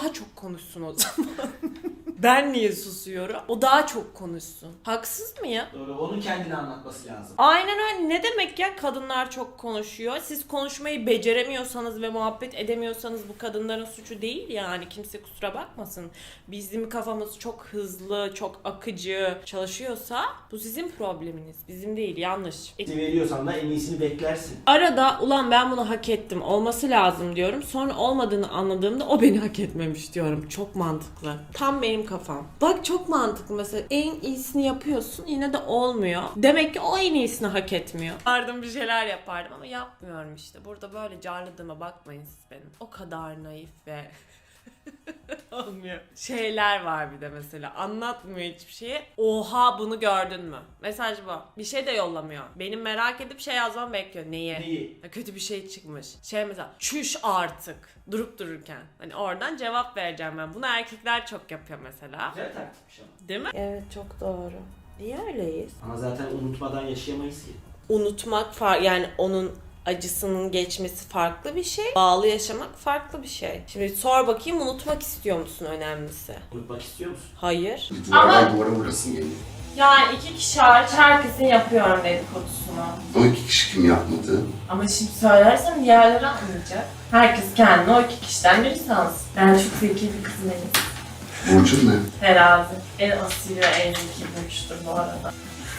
daha çok konuşsun o zaman. Ben niye susuyorum? O daha çok konuşsun. Haksız mı ya? Doğru, onun kendini anlatması lazım. Aynen öyle. Ne demek ya kadınlar çok konuşuyor? Siz konuşmayı beceremiyorsanız ve muhabbet edemiyorsanız bu kadınların suçu değil yani. Kimse kusura bakmasın. Bizim kafamız çok hızlı, çok akıcı çalışıyorsa bu sizin probleminiz. Bizim değil, yanlış. Veriyorsan da en iyisini beklersin. Arada ulan ben bunu hak ettim, olması lazım diyorum. Sonra olmadığını anladığımda o beni hak etmemiş diyorum. Çok mantıklı. Tam benim kafam. Bak çok mantıklı mesela. En iyisini yapıyorsun yine de olmuyor. Demek ki o en iyisini hak etmiyor. Yapardım bir şeyler yapardım ama yapmıyorum işte. Burada böyle carladığıma bakmayın siz benim. O kadar naif ve olmuyor. Şeyler var bir de mesela. Anlatmıyor hiçbir şeyi. Oha bunu gördün mü? Mesaj bu. Bir şey de yollamıyor. Benim merak edip şey yazmam bekliyor. Neyi? Neyi? Kötü bir şey çıkmış. Şey mesela çüş artık. Durup dururken. Hani oradan cevap vereceğim ben. Bunu erkekler çok yapıyor mesela. Güzel taktikmiş ama. Değil mi? Evet çok doğru. Niye öyleyiz? Ama zaten unutmadan yaşayamayız ki. Unutmak yani onun acısının geçmesi farklı bir şey. Bağlı yaşamak farklı bir şey. Şimdi sor bakayım unutmak istiyor musun önemlisi? Unutmak istiyor musun? Hayır. Duvardan duvara vurasın geliyor. Yani 2 kişi hariç herkesin yapıyorum dedikodusunu. O 2 kişi kim yapmadı? Ama şimdi söylersem diğerleri anlayacak. Herkes kendine o 2 kişiden biri sansın. Ben çok zeki bir kızım Burcun ne? Terazi. En asil ve en zeki burçtur bu arada.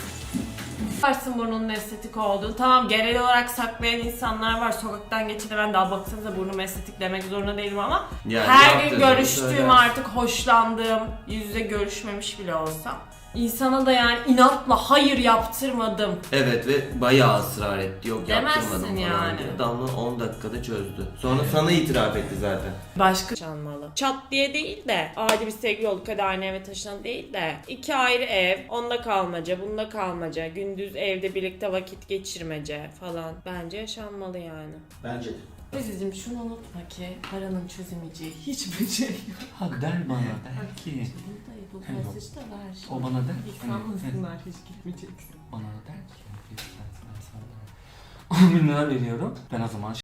Varsın burnunun estetik olduğunu. Tamam genel olarak saklayan insanlar var. Sokaktan geçene ben daha baksanıza burnum estetik demek zorunda değilim ama Yani her gün yaptığını görüştüğüm söylersin. artık hoşlandığım, yüz yüze görüşmemiş bile olsam insana da yani inatla hayır yaptırmadım. Evet ve bayağı ısrar etti. Yok Demezsin yaptırmadım falan yani. diye. Damla 10 dakikada çözdü. Sonra sana itiraf etti zaten. Başka çalmalı. Çat diye değil de adi bir sevgili olduk hadi aynı eve taşınan değil de 2 ayrı ev, onda kalmaca, bunda kalmaca, gündüz evde birlikte vakit geçirmece falan. Bence yaşanmalı yani. Bence de. Aziz'im şunu unutma ki paranın çözemeyeceği hiçbir şey yok. Ha der bana der ki. Bu Evet. mesajı da ver. O bana der ki. Sanmasınlar hiç gitmeyeceksin. Bana der ki. Ben sana 10 bin lira veriyorum. Ben o zaman